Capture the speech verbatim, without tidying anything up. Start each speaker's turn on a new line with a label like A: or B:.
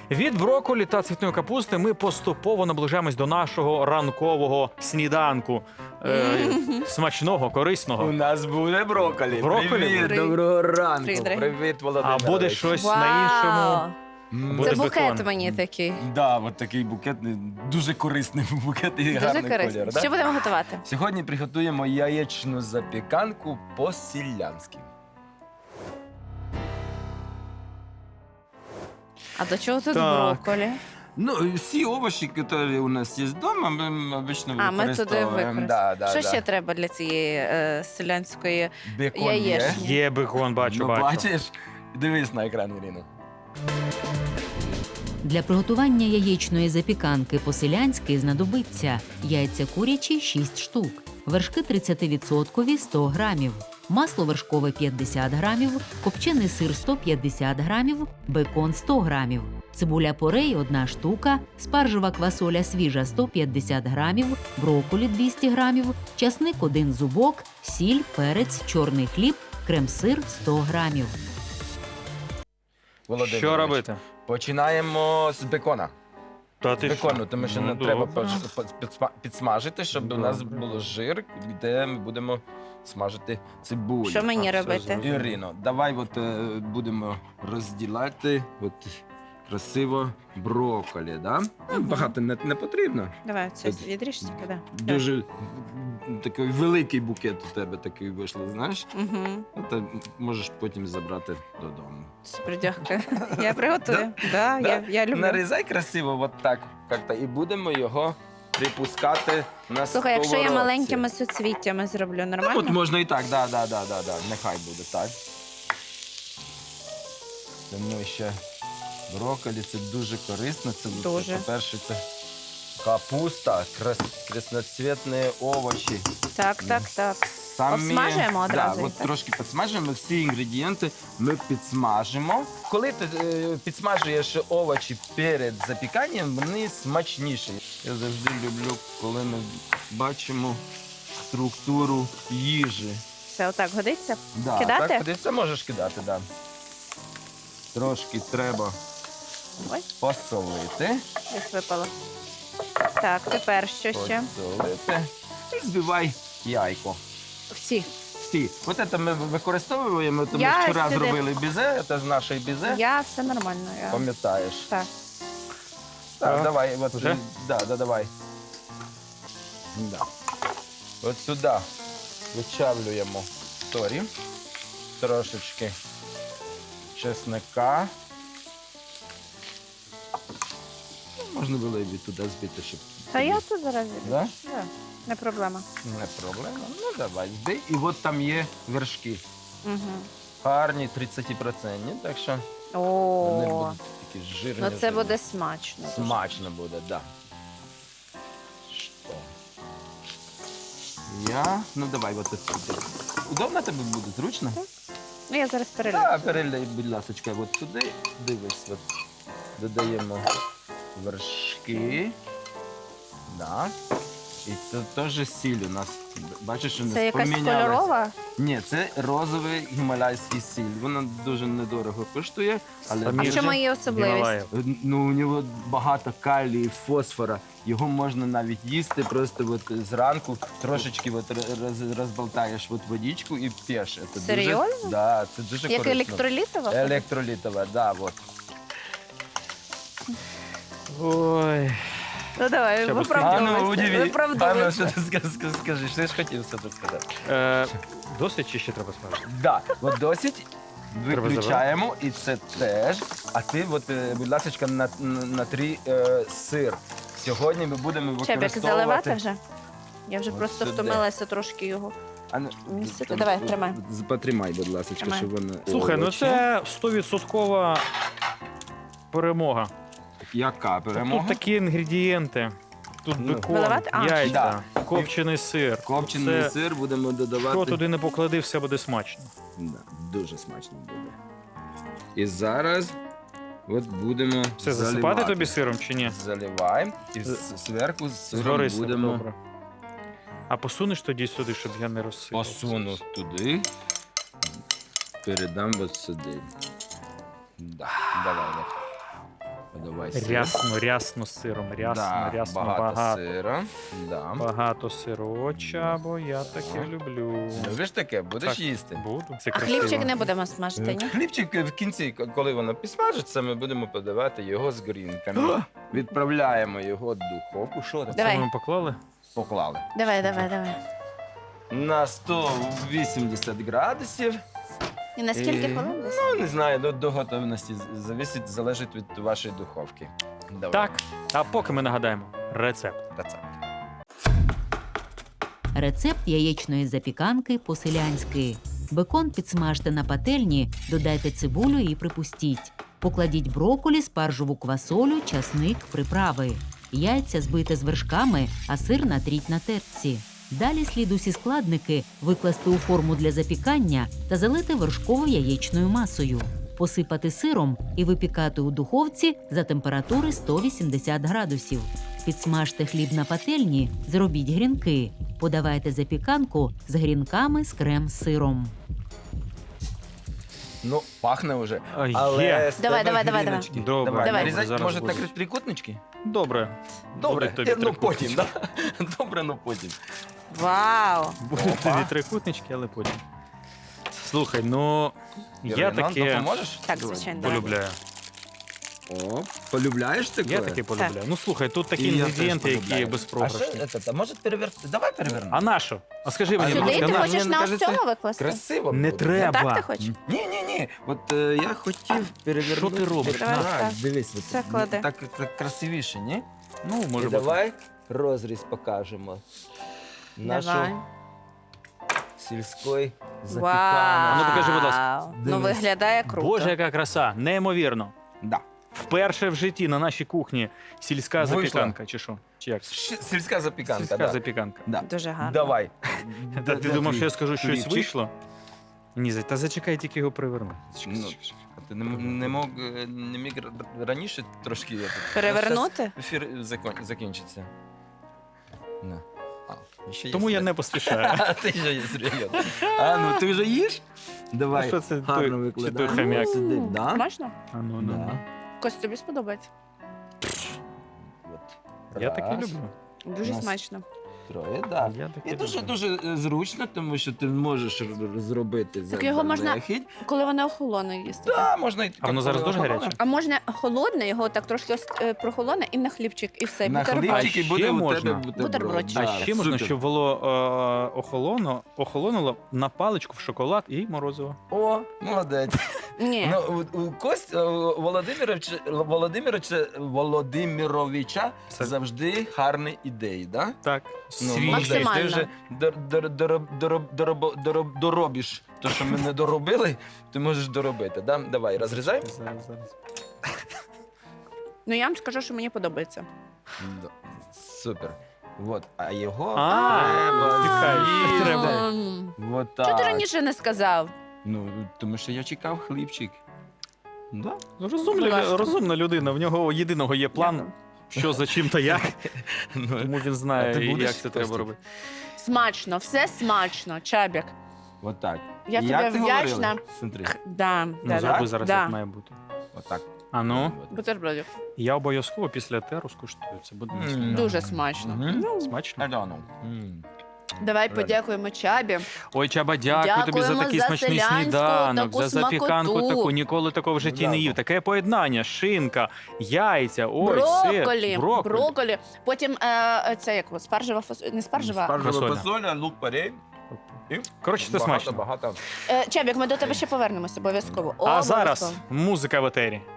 A: Від брокколі та цвітної капусти ми поступово наближаємось до нашого ранкового сніданку. Е, смачного,
B: У
A: корисного.
B: нас буде брокколі.
A: Брокколі?
B: Привіт,
C: Привіт.
B: доброго ранку.
C: Привіт, дорогий.
B: Привіт,
A: А
B: Володимир.
A: буде щось на іншому.
B: М,
A: Буде
C: Це букет
A: бекон.
C: мені такий.
B: Да, от такий букет, дуже корисний букет і
C: Дуже
B: гарний
C: корисний.
B: колір. Да?
C: Що будемо готувати?
B: Сьогодні приготуємо яєчну запіканку по-селянськи.
C: А до чого тут
A: Так.
C: брокколі?
B: Ну, всі овочі, які у нас є вдома, ми обично
C: А, ми туди
B: використовуємо.
C: використовуємо.
B: Да, да,
C: Що
B: да.
C: ще треба для цієї е, селянської?
B: Бекон
C: Яєчні?
B: є.
A: Є бекон, бачу,
B: Ну,
A: бачу.
B: бачиш? Дивись на екран, Ірина.
D: Для приготування яєчної запіканки по-селянськи знадобиться яйця курячі шість штук, вершки тридцять відсотків сто грамів, масло вершкове п'ятдесят грамів, копчений сир сто п'ятдесят грамів, бекон сто грамів, цибуля порей одна штука, спаржева квасоля свіжа сто п'ятдесят грамів, брокколі двісті грамів, часник один зубок, сіль, перець, чорний хліб, крем-сир сто грамів.
B: Володимир,
A: Що робити?
B: Починаємо з бекона.
A: Та ти
B: Бекону,
A: що?
B: тому що
A: Ну,
B: не треба
A: добре.
B: поч- поч- підсма- підсмажити, щоб у нас
A: Добре.
B: було жир, де ми будемо смажити цибулю.
C: Що мені
A: А, все
C: робити?
A: зрозуміло.
B: Ірино, давай от, е, будемо розділяти от, красиво брокколі. Да? Ну,
C: Мгм.
B: багато не, не потрібно.
C: Давай, це
B: Тут
C: відріж тільки, да.
B: Дуже м, такий великий букет у тебе такий вийшло, знаєш?
C: Угу.
B: Це можеш потім забрати додому.
C: Супер, дякую. Я приготую. Да,
B: Да?
C: я, я люблю.
B: Нарізай красиво, от так, як-то, і будемо його припускати на
C: Слухай, якщо я
B: сковородці.
C: маленькими суцвіттями зроблю,
B: Ну,
C: нормально?
B: от можна і так, да, да, да, да, да. Нехай буде так. Тому що брокколі це дуже корисно. Це,
C: Дуже.
B: по-перше, це капуста, крас, красноцвітні овочі.
C: Так, так, так.
B: Самі,
C: Обсмажуємо одразу
B: Да,
C: їх,
B: от
C: так?
B: трошки підсмажуємо. Всі інгредієнти ми підсмажимо. Коли ти е, підсмажуєш овочі перед запіканням, вони смачніші. Я завжди люблю, коли ми бачимо структуру їжі.
C: Все, отак годиться?
B: Да,
C: Кидати?
B: Так, куди це можеш кидати, да. Трошки треба
C: Ой,
B: посолити.
C: десь випало. Так, тепер що ще?
B: Посолити. І збивай яйко.
C: Всі.
B: Всі. От це ми використовуємо, тому
C: Я
B: що вчора
C: сюди-
B: зробили бізе, це з нашої бізе.
C: Я все нормально. Я...
B: Пам'ятаєш.
C: Так.
B: Так,
A: А,
B: давай, от,
A: вже?
B: да, да, давай. Да. От сюди вичавлюємо сорі, трошечки чесника. Ну, можна було і туди збити, щоб...
C: Та я тут зараз.
B: Да?
C: Да, не проблема.
B: Не проблема. Ну, давай, збий. І от там є вершки.
C: Угу.
B: Гарні, тридцять відсотків, так що вони
C: О,
B: будуть такі жирні.
C: ну це
B: жирні.
C: буде смачно. дуже.
B: Смачно буде, да. Що? Я. Ну давай, от тут. Удобно тобі буде? Зручно?
C: Ну я зараз перелю.
B: Так, перелей, будь ласка, от сюди. Дивись, от. Додаємо вершки. Да. І це теж сіль у нас. Бачиш, у нас
C: Це якась
B: помінялась.
C: кольорова?
B: Ні, це розовий гімаlayський сіль. Вона дуже недорого коштує, але
C: А
A: Самі
C: в
B: дуже...
C: чому її особливість?
A: Гімалаїв.
B: Ну, у нього багато калію, фосфора. Його можна навіть їсти просто от зранку, трошечки от роз, розболтаєш от водичку і п'єш. Це
C: Серйозно?
B: Дуже, да, це дуже
C: Як
B: корисно.
C: електролітова?
B: Електролітова, да, от.
A: Ой.
C: Ну давай,
A: Ще б-
B: А ну,
C: виправдовуйся.
B: удиви. А ну,
C: Виправдовуйся.
B: що ти скажеш, скажи, що ж хотів все тут сказати?
A: Е, досить чи ще треба смажити?
B: Да, от досить.
A: Треба
B: Виключаємо, і це теж. А ти, от, е, будь ласка, на, на, натрі е, сир. Сьогодні ми будемо
C: Чебік,
B: використовувати...
C: заливати вже? Я вже
B: От
C: просто
B: сюди.
C: втомилася трошки його.
B: А, ну,
C: Місце-
B: там,
C: давай,
B: е,
C: тримай.
B: з- Потримай, будь ласка,
C: Тримай.
B: щоб воно...
A: Слухай, ну
B: овочі.
A: це стовідсоткова перемога.
B: Яка перемога?
A: Тут такі інгредієнти. Тут
B: Ну.
A: бекон,
C: Виливати? А.
A: яйця,
B: Да.
A: копчений сир.
B: Копчений
A: Це,
B: сир будемо додавати.
A: що туди не поклади, все буде смачно.
B: Да, дуже смачно буде. І зараз от будемо
A: Все, засипати
B: заливати.
A: тобі сиром чи ні?
B: Заливаємо і
A: З-
B: з- зверху з сиром
A: Згори
B: будемо
A: добре. А посунеш тоді сюди, щоб я не розсипав.
B: посуну туди, передам от сюди. Да. Давай, от. От Давай сир.
A: Рясно, рясно з сиром. Рясно,
B: Да,
A: рясно,
B: багато,
A: багато.
B: сира. Да.
A: Багато сироча, бо я таке
B: О.
A: люблю.
B: Любиш таке? Будеш
A: Так.
B: їсти?
A: Буду. Це
C: А
A: красиво.
C: хлібчик не будемо смажити, ні?
B: Хлібчик в кінці, к- коли воно підсмажиться, ми будемо подавати його з грінками. Відправляємо його в духовку. Що там?
C: Давай.
A: Це ми поклали?
B: Поклали.
C: Давай, давай, давай.
B: На сто вісімдесят градусів.
C: І на скільки
B: І-
C: хвилин десь?
B: Ну, не знаю, до, до готовності з- зависить, залежить від вашої духовки. Давай.
A: Так. А поки ми нагадаємо рецепт.
B: Рецепт.
D: Рецепт яєчної запіканки по-селянськи. Бекон підсмажте на пательні, додайте цибулю і припустіть. Покладіть брокколі, спаржеву квасолю, часник, приправи. Яйця збийте з вершками, а сир натріть на терці. Далі слід усі складники викласти у форму для запікання та залити вершково-яєчною масою. Посипати сиром і випікати у духовці за температури сто вісімдесят градусів. Підсмажте хліб на пательні, зробіть грінки. Подавайте запіканку з грінками з крем-сиром.
B: Ну, пахне вже.
A: А,
B: Але
A: Є.
B: з
C: Давай,
B: тебе
C: давай, давай,
B: гріночки.
A: давай.
B: Давай.
C: Давай.
B: Нарізати,
A: Зараз
B: може,
A: будуть.
B: так трикутнички?
A: Добре.
B: Добре,
A: Будуть тобі
B: Е, ну
A: трикутнички.
B: потім, да? Добре, ну потім.
C: Вау!
A: Будуть
B: Опа.
A: тобі трикутнички, але потім. Слухай, ну я
B: Ірина,
A: таке
B: допоможеш?
C: Так,
B: Давай.
C: звичайно. Давай.
A: полюбляю.
B: О, полюбляєш таке?
A: Я таке полюбляю. Ну слухай, тут такі
B: І я теж
A: інгредієнти, які
B: полюбляю.
A: безпрограшні.
B: А що це? Може переверти? Давай перевернемо.
A: А на що? А скажи мені,
B: А
A: будь
C: Сюди
A: ласка,
C: ти
A: на
B: хочеш-
C: хочеш
B: мені
C: на ось
B: кажеться,
C: цього викласти?
B: Красиво
A: Не
B: буде.
A: треба.
C: Так ти хочеш?
B: Ні, ні, ні. От е, я хотів перевернути.
A: Що ти робиш?
C: Давай,
B: Так,
C: так.
B: дивись, от,
C: Це клади.
B: так, так красивіше, ні?
A: Ну, може
B: І
A: бути.
B: давай розріз покажемо. Нашу
C: Давай.
B: сільської
C: Вау!
B: запіканки.
A: А ну, покажи, будь ласка.
C: Ну,
B: Дивись.
C: виглядає круто.
A: Боже, яка краса, неймовірно.
B: Да.
A: Вперше в житті на нашій кухні сільська
B: Вийшла.
A: запіканка, чи що? Чи як?
B: Щ- Сільська запіканка,
A: Сільська
B: да.
A: запіканка.
B: Да.
C: Дуже гарно.
B: Давай.
A: Та ти
B: Де
A: думав,
B: твій
A: що я скажу, щось
B: хлібчик?
A: вийшло? Ні, за- та зачекай, тільки його приверну. Зачекай,
B: Ну,
A: зачекай, зачекай.
B: А ти не, м- не мог е, не міг р- раніше трошки я тут.
C: Перевернути?
B: Щас Ефір закон- закінчиться. На. А, ще є
A: Тому я
B: світ.
A: не поспішаю.
B: А ти вже є серйозно. А, ну ти вже їш? Давай.
A: А що це
B: гарно
A: той-
B: викладай.
A: чи той хомяк?
B: Сиди, да?
C: Смачно?
A: А ну, ну,
B: Да.
A: ну.
C: Кость, тобі сподобається?
B: От.
A: Я таке
B: Раз,
A: люблю.
C: Дуже
B: Нас-
C: смачно.
B: Троє, да.
A: Я таке
B: І дуже
A: люблю.
B: дуже е, зручно, тому що ти можеш р- р- зробити
C: Так його можна
B: заздалегідь.
C: Коли воно охолоне їсти.
B: Да, можна і
A: А воно зараз дуже гаряче?
C: А можна холодне, його так трошки ос- е, прохолоне і на хлібчик, і все.
B: На
C: бутерброд.
B: хлібчик і
A: А
B: буде
A: ще
B: у
A: можна?
B: тебе бутерброд.
C: Бутерброд.
B: Да,
A: А ще можна,
B: супер.
A: щоб було е, охолоно, охолонуло на паличку в шоколад і морозиво.
B: О, молодець.
C: Ні.
B: Ну, у, у Кость у Володимировича, Володимировича, Володимировича
A: Це-
B: завжди гарні ідеї, да?
A: Так,
B: Ну,
A: свіжий.
B: молодець, ти
C: Максимально.
B: вже дор, дор, дор, дор, дороб- дороб- доробиш те, що ми не доробили, ти можеш доробити. Да? Давай, розрізай.
A: Зараз, зараз.
C: Ну я вам скажу, що мені подобається.
B: Да. Супер. Вот. А його
A: А, чекай,
B: з'їсти.
A: треба.
C: М.
B: Вот
C: Чого ти
B: так.
C: раніше не сказав?
B: Ну, тому що я чекав хлібчик. Да?
C: Будь
A: Розумна,
C: ласка.
A: розумна людина. В нього єдиного є план, що за чим та як.
B: Ну,
A: Тому він
B: А
A: знає,
B: ти будеш
A: як це треба
B: Костя?
A: робити.
C: Смачно, все смачно, Чабік.
B: от так.
C: Я
B: Як
C: тобі
B: ти
C: вдячна.
B: говорила? Смотри.
C: Да,
A: Ну,
C: да,
A: зроби
C: да.
A: зараз,
C: да.
A: як має бути.
B: От так.
A: А ну,
B: От.
C: Бутербродів.
A: я обов'язково після теру скуштую. Це буде
B: М.
A: смачно.
C: Дуже смачно.
B: Мгм.
C: Ну,
A: Смачно.
B: Альону. М.
C: давай
B: Реально.
C: подякуємо Чабі.
A: Ой, Чаба, дякую тобі за
C: Дякуємо
A: такий
C: за
A: смачний
C: селянську
A: сніданок,
C: таку
A: за запіканку
C: смакоту.
A: таку. Ніколи такого в житті
B: Ну,
A: не
B: да.
A: їв. Таке поєднання, шинка, яйця, ой, сир,
C: Брокколі,
A: брокколі.
C: брокколі. Потім е, це як спаржева фасоль, не спаржева.
B: Спаржева
A: Фасоля.
B: фасоля, лук порей. І
A: Коротше, це
B: багато,
A: смачно.
B: Багато.
C: Е, Чабік, ми до тебе ще повернемося обов'язково.
A: А зараз
C: Обов'язково.
A: музика в етері.